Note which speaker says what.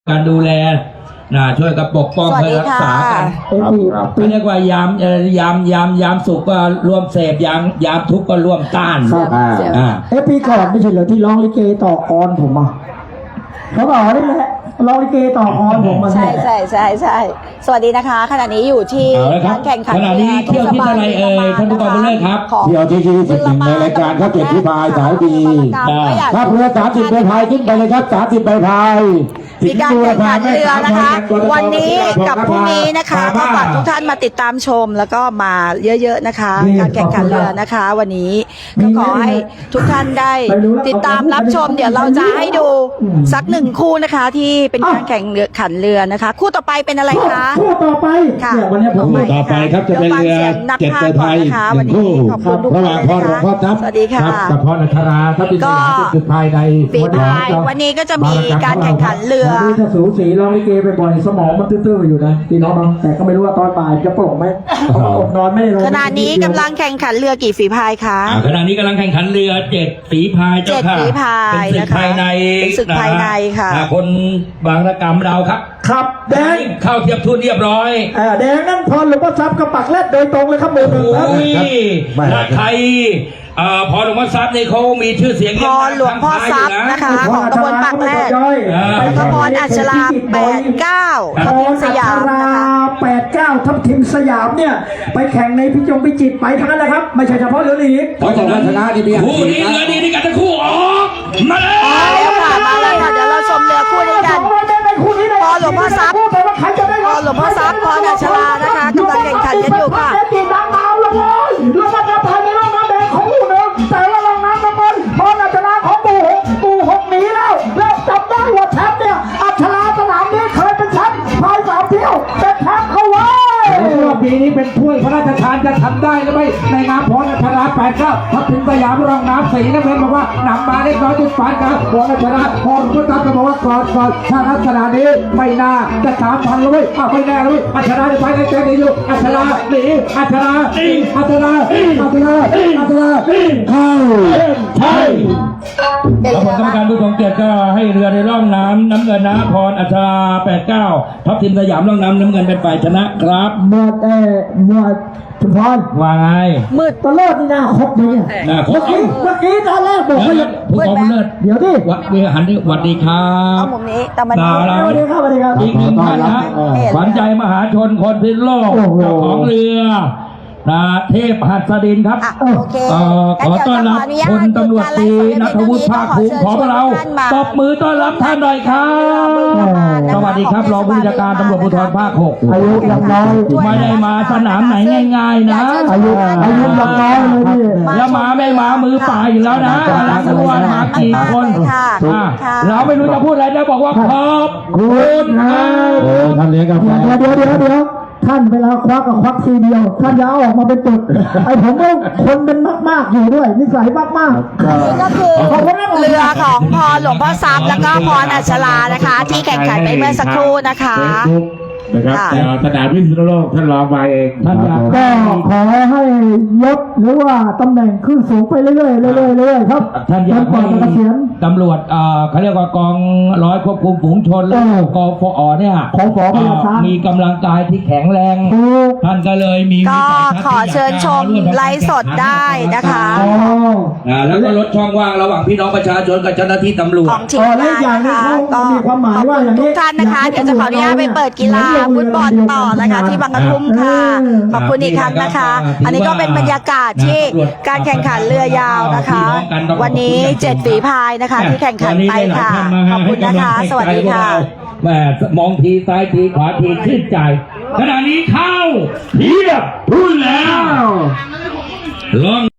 Speaker 1: การดูแลช่วยกับปกป้องเพื่อรักษากันไม่เรียกว่ายามสุขก็ร่วมเสพยามทุกข์ก็ร่วมต้าน
Speaker 2: ปีก่อนไม่ใช่เหรอที่ร้องลิเกต่อกรผมอ่ะเขาบอกนี่แหละร้องลิเกต่อกรผมมา
Speaker 3: ใช่สวัสดีนะคะขณะนี้อยู่ที่การแข่งขัน
Speaker 1: ขณะนี้เที่ยวที่อะไรท่านผู้กองบุญเลิศครับ
Speaker 4: เที่ยวที่21ในรายการครับ7 ฝีพายสายดีครับเรือ30 ใบพายขึ้นไปเลยครับ30 ใบพาย
Speaker 3: มีการแข่งขันเรือนะคะวันนี้กับพรุ่งนี้นะคะก็ฝากทุกท่านมาติดตามชมแล้วก็มาเยอะๆนะคะการแข่งขันเรือนะคะวันนี้ก็ขอให้ทุกท่านได้ติดตามรับชมเดี๋ยวเราจะให้ดูสัก1 คู่นะคะที่เป็นการแข่งขันเรือนะคะคู่ต่อไปเป็นอะไรคะ
Speaker 2: คู่ต่อไป
Speaker 3: ค่ะ
Speaker 2: วันนี้ผม
Speaker 1: ต่อไปครับจะเป็นเรือ7 ใบพาย1 คู่ระหว่างพ่อหลวงพ่อทัพกับพ่อนัชราทัพที่สุดภายใน
Speaker 3: วันนี้ก็จะมีการแข่งขันเรือ
Speaker 2: นี่ถ้าสูสีร้องลิเกไปบ่อยสมองมันตื้อๆอยู่นะพี่น้องแต่ก็ไม่รู้ว่าตอนบ่ายจะโปร่งไหมอดนอนไม่ได้นอน
Speaker 3: ขณะนี้กำลังแข่งขันเรือกี่ฝีพายคะ
Speaker 1: ขณะนี้กำลังแข่งขันเรือ7 ฝีพายเจ้าค่ะ
Speaker 3: 7 ฝีพายนะคะเป็นศึกภายในค่ะ
Speaker 1: คนบางระกำเราครับ
Speaker 2: ครับแดง
Speaker 1: เข้าเทียบทุนเรียบร้อย
Speaker 2: แดงนั่นพรหลวงพ่อทรัพย์กับปักแรดโดยตรงเลยครับมือหนึ่งครับ
Speaker 1: ถ้าใครพรหลวงพ่อทรัพย์นี่เขามีชื่อเสียง
Speaker 3: พรหลวงพ่อทรัพย์นะคะของตำบลปากแรดแล้วก็พรอัชรา89ทัพทิมสยามนะคะ
Speaker 2: 89ทัพทิมสยามเนี่ยไปแข่งในพิจิตรไปทั้งนั้นนะครับไม่ใช่เฉพาะเรือลีก
Speaker 4: เพราะฉะนั้นชนะนี่มี
Speaker 1: คู่นี้เรือดีนี่กันทั้งคู่ออกมาเลย
Speaker 3: มาแล้วค่ะเดี๋ยวเราชมเรือคู่นี้กันพรหลวงพ่อทรัพย์พรหลวงพ่อทรัพย์พรอัชรานะคะกำลังแข่งขันกันอยู่ค่ะ
Speaker 2: แต่ว่าลองน้ำน้ำมันพออัชราของปู่หกหนีแล้วจับได้ว่าแชมป์เนี่ยอัชราสนามนี้เคยเป็นแชมป์พาย3 เที่ยวเป็นแชมป์เขาไว้
Speaker 4: ปีนี้เป็นถ้วยพระราชทานจะทำได้หรือไม่ในนามพรอัชรา89ทัพทิมสยามรองน้ำสีน้ำเงินบอกว่านำมาได้น้อยจุดปานกลางพรอัชราพรพุทธจะบอกว่าก่อนถ้าลักษณะนี้ไม่น่าจะ3,000เลยไม่แน่เลยอัชราไปในเกมนี้อยู่อัชราหนีอัชราเข้าใช่
Speaker 1: แล้วผลกรรมการผู้ทรงเกียรติก็ให้เรือในร่องน้ำน้ำเงินนะพรอัชรา89ทัพทิมสยามร่องน้ำน้ำเงินเป็นฝ่ายชนะครับ
Speaker 2: หมดชุมพร
Speaker 1: ว่าไง
Speaker 3: มืด
Speaker 2: ตลอดนี่นาครบเลย
Speaker 1: นะครบ
Speaker 2: เมื่อกี้ตอนแรกบอกว่า
Speaker 1: ผู้กองบุญเลิศ
Speaker 2: เดี๋ยวดิ
Speaker 1: หันดิสวัสดีครับ
Speaker 3: มุมนี้ตะมัน
Speaker 2: สวัสดีครับ
Speaker 1: อีก1 ท่านนะขวัญใจมหาชนคนพิษโลกเจ้าของเรือเทพหัสดินครับขอต้อนรับพลตำรวจตรีณัฐวุฒิภาคภูมิของเราตบมือต้อนรับท่านหน่อยครับสวัสดีครับรองผู้บัญชาการตำรวจภูธรภาค6
Speaker 2: อายุยังน้อย
Speaker 1: ไม่ได้มาสนามไหนง่ายๆนะ
Speaker 2: อายุยังน้อยเลยพี่
Speaker 1: แล้วมาไม่มามือเปล่าอยู่แล้วนะรักตัวมากี่คนเราไม่รู้จะพูดอะไรแล้วบอกว่าขอบคุณ
Speaker 4: ท่านเลี้ยงกาแฟ
Speaker 2: เดี๋ยวท่านเวลาควักกับควักทีเดียวท่านจะเอาออกมาเป็นจุดไอ้ผมว่าคนเป็นมากๆอยู่ด้วยนิสัยมากๆ
Speaker 3: นี่ก็คือเรือของพรหลวงพ่อทรัพย์แล้วก็พรอัชรานะคะที่แข่งขันไปเมื่อสักครู่นะคะ
Speaker 4: นะครับสนามพิษณุโลกท่านรองมาเอง
Speaker 2: ท่านก็ขอให้ยศหรือว่าตำแหน่งขึ้นสูงไปเรื่อยๆครับ
Speaker 1: ท่านอยากให้ตำรวจเขาเรียกว่ากองร้อยควบคุมฝูงชนแล้วกองฟอเนี่ยมีกำลังกายที่แข็งแรงท่านก็เลยมี
Speaker 3: ก็ขอเชิญชมไลฟ์สดได้นะคะ
Speaker 1: แล้วก็ลดช่องว่างระหว่างพี่น้องประชาชนกับเจ้าหน้าที่ตำรวจ
Speaker 3: ของทีมงานนะคะก็
Speaker 2: มีความหมายว่าอย่างนี้
Speaker 3: ทุกท่านนะคะเดี๋ยวจะขออนุญาตไปเปิดกีฬาฟุตบอลต่อนะคะที่บางกระทุ่มค่ะขอบคุณอีกครั้งนะคะอันนี้ก็เป็นบรรยากาศที่การแข่งขันเรือยาวนะคะวันนี้7 ฝีพายนะคะที่แข่งขันไปค่ะขอบคุณนะคะสวัสดีค่ะ
Speaker 1: แม่มองทีซ้ายทีขวาทีชื่นใจขณะนี้เข้าเทียบรุ่นแล้วลอง